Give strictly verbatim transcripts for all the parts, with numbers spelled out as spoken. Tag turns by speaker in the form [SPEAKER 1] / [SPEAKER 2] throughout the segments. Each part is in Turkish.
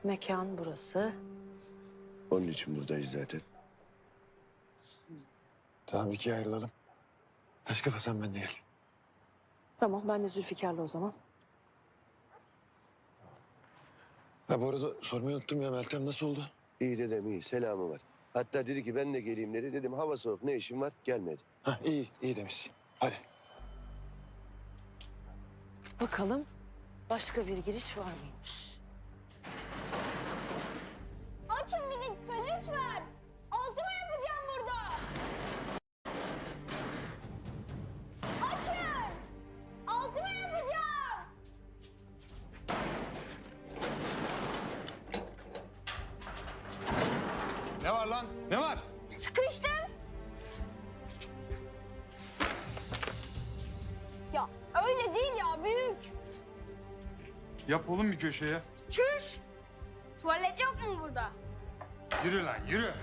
[SPEAKER 1] Mekan burası.
[SPEAKER 2] Onun için buradayız zaten. Tamam, ikiye ayrılalım. Taş kafa sen benimle gel.
[SPEAKER 1] Tamam, ben de Zülfikar'la o zaman.
[SPEAKER 2] Ha bu arada sormayı unuttum ya, Meltem nasıl oldu?
[SPEAKER 3] İyi dedem iyi. Selamı var. Hatta dedi ki ben de geleyim dedi. Dedim hava soğuk ne işin var? Gelmedi.
[SPEAKER 2] Ha iyi, iyi demiş. Hadi.
[SPEAKER 1] Bakalım başka bir giriş var mıymış?
[SPEAKER 4] Açın bir dakika lütfen. Altıma yapacağım burada. Açın. Altıma yapacağım.
[SPEAKER 5] Ne var lan? Ne var?
[SPEAKER 4] Sıkıştım. Ya öyle değil ya büyük.
[SPEAKER 5] Yap oğlum bir köşeye.
[SPEAKER 4] Çüş. Tuvalet yok mu burada?
[SPEAKER 5] Yürü lan yürü.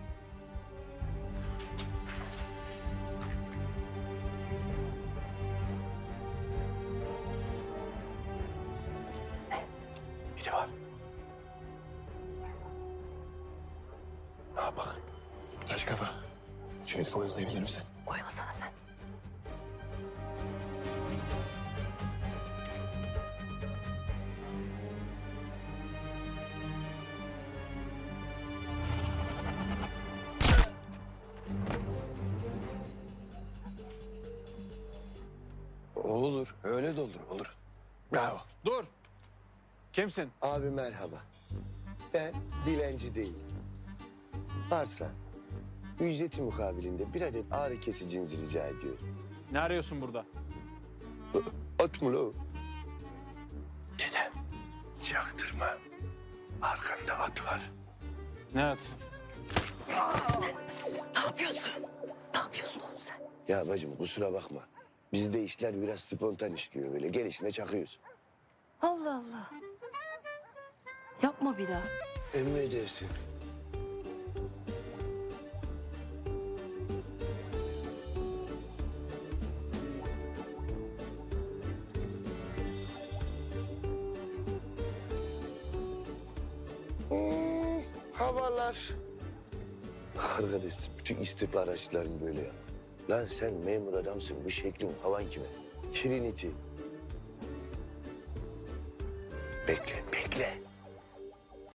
[SPEAKER 2] Biri var. Ha bak. Taş kafa. Şu herifi oyalayabilir misin?
[SPEAKER 1] Oyalasana sen.
[SPEAKER 2] Olur, öyle de olur, olur. Bravo.
[SPEAKER 6] Dur. Kimsin?
[SPEAKER 3] Abi merhaba. Ben dilenci değilim. Varsa ücreti mukabilinde bir adet ağrı kesicinizi rica ediyorum.
[SPEAKER 6] Ne arıyorsun burada?
[SPEAKER 3] At mı lo?
[SPEAKER 2] Dede, çaktırma. Arkanda at var.
[SPEAKER 6] Ne at?
[SPEAKER 1] Ne yapıyorsun? Ne yapıyorsun oğlum sen?
[SPEAKER 3] Ya bacım kusura bakma. Bizde işler biraz spontan işliyor böyle. Gelişine çakıyoruz.
[SPEAKER 1] Allah Allah. Yapma bir daha.
[SPEAKER 3] Emredersin. Hmm, havalar. Arkadaş bütün istihbarat araçların böyle ya. Lan sen memur adamsın. Bu şeklin havan kime? Trinity. Bekle.